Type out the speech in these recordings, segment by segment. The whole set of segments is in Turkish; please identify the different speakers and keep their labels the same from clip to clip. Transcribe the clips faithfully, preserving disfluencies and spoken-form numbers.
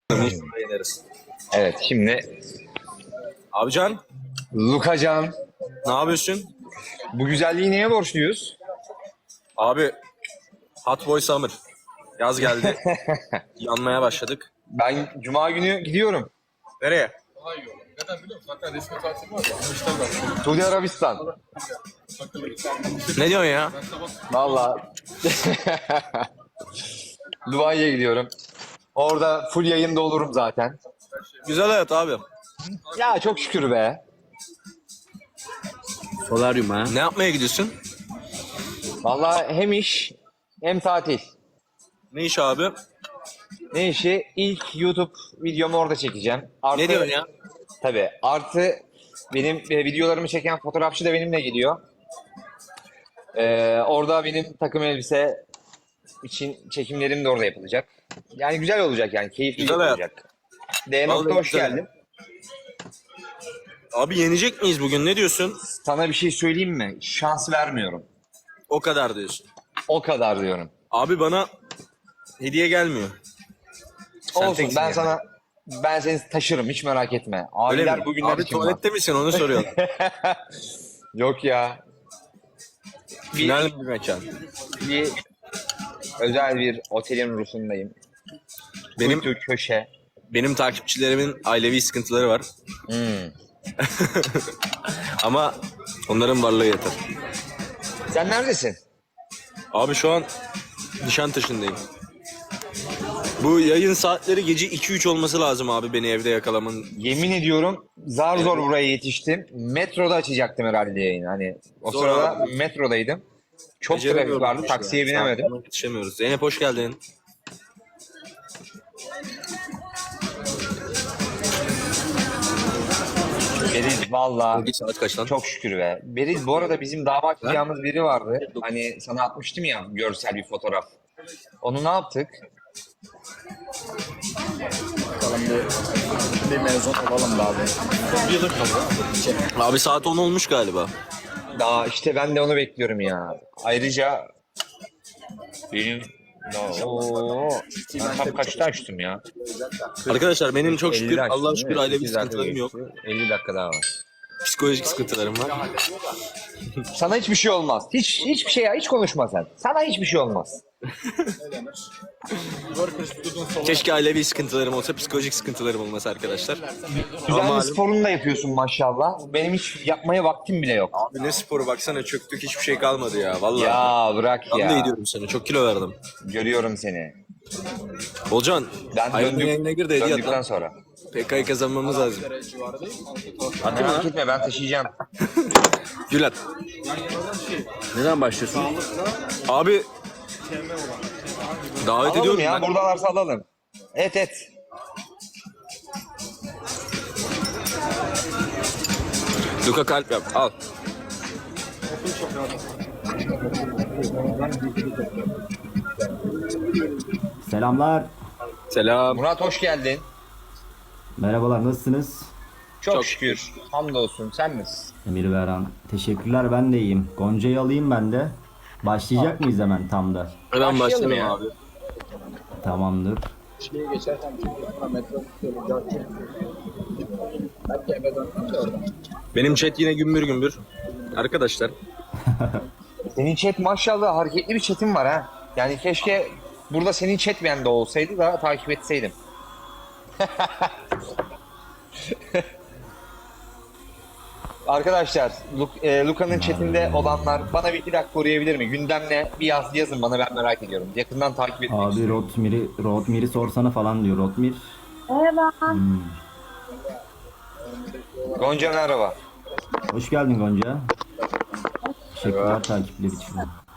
Speaker 1: İnşallah yeneriz.
Speaker 2: Evet şimdi
Speaker 1: Abican,
Speaker 2: Lukacan,
Speaker 1: ne yapıyorsun?
Speaker 2: bu güzelliği neye borçluyuz?
Speaker 1: Abi, Hot Boy Summer. Yaz geldi. Yanmaya başladık.
Speaker 2: Ben cuma günü gidiyorum.
Speaker 1: Nereye?
Speaker 3: Neden biliyor musun? Zaten resmi tatil var ya. İşler var.
Speaker 2: Suudi Arabistan.
Speaker 1: Ne diyorsun ya?
Speaker 2: Vallahi. Dubai'ye gidiyorum. Orada full yayında olurum zaten.
Speaker 1: Güzel hayat abi.
Speaker 2: Ya çok şükür be.
Speaker 1: Solaryum ha. Ne yapmaya gidiyorsun?
Speaker 2: Vallahi hem iş hem tatil.
Speaker 1: Ne iş abi?
Speaker 2: Ne işi? İlk YouTube videomu orada çekeceğim. Artı,
Speaker 1: Ne diyorsun ya?
Speaker 2: Tabii. Artı benim e, videolarımı çeken fotoğrafçı da benimle geliyor. Ee, orada benim takım elbise için çekimlerim de orada yapılacak. Yani güzel olacak yani. Keyifli
Speaker 1: Güzel hayat.
Speaker 2: olacak. D.
Speaker 1: Vallahi
Speaker 2: hoş
Speaker 1: güzel.
Speaker 2: geldin.
Speaker 1: Abi yenecek miyiz bugün? Ne diyorsun?
Speaker 2: Sana bir şey söyleyeyim mi? Şans vermiyorum.
Speaker 1: O kadar diyorsun.
Speaker 2: O kadar diyorum.
Speaker 1: Abi bana hediye gelmiyor. Sen
Speaker 2: Olsun
Speaker 1: teksin
Speaker 2: ben
Speaker 1: yani.
Speaker 2: sana ben seni taşırım hiç merak etme.
Speaker 1: Öyle
Speaker 2: Abiler
Speaker 1: mi?
Speaker 2: bugünler
Speaker 1: Abi
Speaker 2: için var.
Speaker 1: tuvalette misin onu soruyorum.
Speaker 2: Yok ya. Bir,
Speaker 1: Final bir mekan.
Speaker 2: bir özel bir otelin rusundayım.
Speaker 1: Benim
Speaker 2: Kuytu köşe.
Speaker 1: benim takipçilerimin ailevi sıkıntıları var.
Speaker 2: Hmm.
Speaker 1: Ama onların varlığı yeter.
Speaker 2: Sen neredesin?
Speaker 1: Abi şu an Nişantaşı'ndayım. Bu yayın saatleri gece iki üç olması lazım abi beni evde yakalamanın.
Speaker 2: Yemin ediyorum zar zor buraya yetiştim. Metroda açacaktım herhalde yayını. Hani o
Speaker 1: Zor
Speaker 2: sırada
Speaker 1: abi.
Speaker 2: metrodaydım. Çok trafik
Speaker 1: Beceremiyorum
Speaker 2: vardı.
Speaker 1: işte.
Speaker 2: Taksiye binemedim.
Speaker 1: Saatlerine Yetişemiyoruz. Zeynep hoş geldin.
Speaker 2: Beriz valla
Speaker 1: Bir saat kaç lan?
Speaker 2: çok şükür be. Beriz bu arada bizim damat yapacağımız biri vardı. Hani sana atmıştım ya görsel bir fotoğraf. Onu ne yaptık?
Speaker 3: Bakalım bir, bir mezun olalım da abi. Bir yıllık kaldı.
Speaker 1: Abi saat on olmuş galiba.
Speaker 2: Daha işte ben de onu bekliyorum ya. Ayrıca benim Oo, ben tam kaçta açtım ya?
Speaker 1: Arkadaşlar benim çok şükür
Speaker 2: ellide açtım,
Speaker 1: Allah'a
Speaker 2: değil
Speaker 1: şükür
Speaker 2: mi?
Speaker 1: ailevi
Speaker 2: sekiz dakika
Speaker 1: sıkıntılarım yok.
Speaker 2: geçti. elli dakika daha var.
Speaker 1: Psikolojik sıkıntılarım var.
Speaker 2: Sana hiçbir şey olmaz. Hiç hiçbir şey hiç konuşma sen. Sana hiçbir şey olmaz.
Speaker 1: Keşke ailevi sıkıntılarım olsa psikolojik sıkıntılarım olmasa arkadaşlar.
Speaker 2: Güzel
Speaker 1: Ama
Speaker 2: bir sporunu da yapıyorsun maşallah. Benim hiç yapmaya vaktim bile yok.
Speaker 1: abi ne sporu baksana çöktük hiçbir şey kalmadı ya vallahi.
Speaker 2: Ya bırak
Speaker 1: Ben de
Speaker 2: ya.
Speaker 1: ediyorum seni çok kilo verdim.
Speaker 2: Görüyorum seni.
Speaker 1: Olcan
Speaker 2: Ben
Speaker 1: Aynen
Speaker 2: döndük,
Speaker 1: yayına gir de hediye at
Speaker 2: döndükten
Speaker 1: lan.
Speaker 2: sonra.
Speaker 1: P K'yı kazanmamız lazım.
Speaker 2: Merak etme ben taşıyacağım.
Speaker 1: Gülat. Neden başlıyorsun? Abi davet
Speaker 2: Alalım
Speaker 1: ediyorum
Speaker 2: ya
Speaker 1: ben.
Speaker 2: buradalarsa alalım. Et et.
Speaker 1: Luka kalp yap al.
Speaker 4: Selamlar.
Speaker 1: Selam.
Speaker 2: Murat hoş geldin.
Speaker 4: Merhabalar, nasılsınız?
Speaker 2: Çok,
Speaker 1: Çok
Speaker 2: şükür. Hamdolsun sen misin?
Speaker 4: Emir Beran. Teşekkürler, ben de iyiyim. Gonca'yı alayım ben de. Başlayacak mıyız hemen tam da?
Speaker 1: Hemen
Speaker 2: Başlayalım
Speaker 1: başlayalım
Speaker 2: ya.
Speaker 1: abi.
Speaker 4: Tamamdır.
Speaker 3: Şeyi geçerken sonra metro tutuyorum. Belki eve dönsem de oradan.
Speaker 1: Benim chat yine gümbür gümbür. Arkadaşlar
Speaker 2: Senin chat maşallah hareketli bir chatin var ha. Yani keşke burada senin chat bende olsaydı da takip etseydim. Arkadaşlar, Luk- e, Luka'nın chatinde olanlar bana bir iki dakika koruyabilir mi? Gündem ne? Bir yaz yazın bana ben merak ediyorum. Yakından takip etmek
Speaker 4: Abi
Speaker 2: istiyorum.
Speaker 4: Rotmir'i Rotmir'i sorsana falan diyor. Rotmir.
Speaker 5: Merhaba.
Speaker 4: Hmm.
Speaker 2: Gonca merhaba.
Speaker 4: Hoş geldin Gonca. Teşekkürler takipleri için.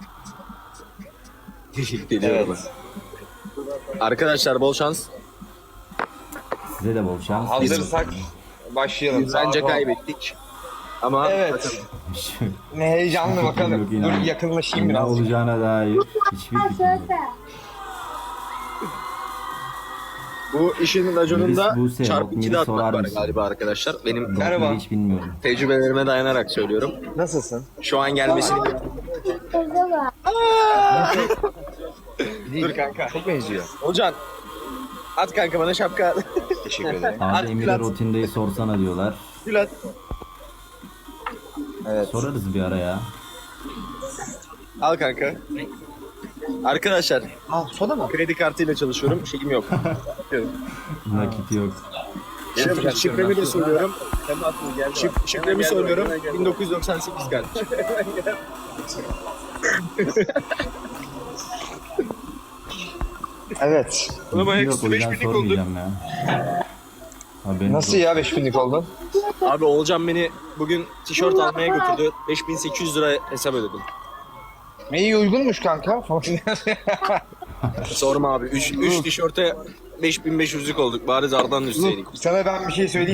Speaker 1: teşekkür ediyorum.
Speaker 2: Evet.
Speaker 1: Arkadaşlar bol şans.
Speaker 4: Size de bol şans.
Speaker 2: Hazırsak başlayalım.
Speaker 1: Biz bence
Speaker 2: Sağ ol.
Speaker 1: kaybettik. Ama
Speaker 2: Evet. Ne heyecanlı bakalım.
Speaker 4: Yok, inan.
Speaker 2: Dur yakınlaşayım
Speaker 4: Ne
Speaker 2: biraz.
Speaker 4: olacağına dair hiçbir fikrim yok.
Speaker 1: bu işin raconunda
Speaker 4: Melis Buse,
Speaker 1: çarpı
Speaker 4: Rotmir'i
Speaker 1: ikide atmak
Speaker 4: sorar
Speaker 1: var
Speaker 4: mısın?
Speaker 1: galiba arkadaşlar. Benim
Speaker 2: Merhaba.
Speaker 4: Rotmir'i hiç bilmiyorum.
Speaker 1: tecrübelerime dayanarak söylüyorum.
Speaker 2: Nasılsın?
Speaker 1: Şu an gelmesini...
Speaker 2: Değil kanka. Çok benziyor.
Speaker 1: Hocam At kanka bana şapka.
Speaker 2: Teşekkür ederim.
Speaker 4: Abi
Speaker 1: Hadi
Speaker 4: Emir'e
Speaker 1: Bülent.
Speaker 4: rotindeyi sorsana diyorlar.
Speaker 1: Gülat.
Speaker 2: Evet.
Speaker 4: Sorarız bir ara ya.
Speaker 1: Al kanka. Arkadaşlar
Speaker 2: Ah, soda mı?
Speaker 1: kredi kartıyla çalışıyorum. Şeyim yok.
Speaker 4: Nakit yok.
Speaker 1: Şifre, şifremi de söylüyorum. Şif, şifremi söylüyorum. bin dokuz yüz doksan sekiz kardeşim.
Speaker 2: Evet.
Speaker 1: Oğlum
Speaker 4: Yok,
Speaker 1: ayaküstü
Speaker 4: o
Speaker 1: beş
Speaker 4: yüzden
Speaker 1: binlik olduk.
Speaker 4: sormayacağım ya. Haberin
Speaker 2: Nasıl
Speaker 4: yok.
Speaker 2: ya beş binlik oldun?
Speaker 1: Abi Olcan beni bugün tişört almaya götürdü. beş bin sekiz yüz lira hesap ödedim.
Speaker 2: İyi uygunmuş kanka.
Speaker 1: Sorma abi. üç tişörte beş bin beş yüzlük olduk. Bari zardan üstteydik.
Speaker 2: Sana ben bir şey söyleyeyim.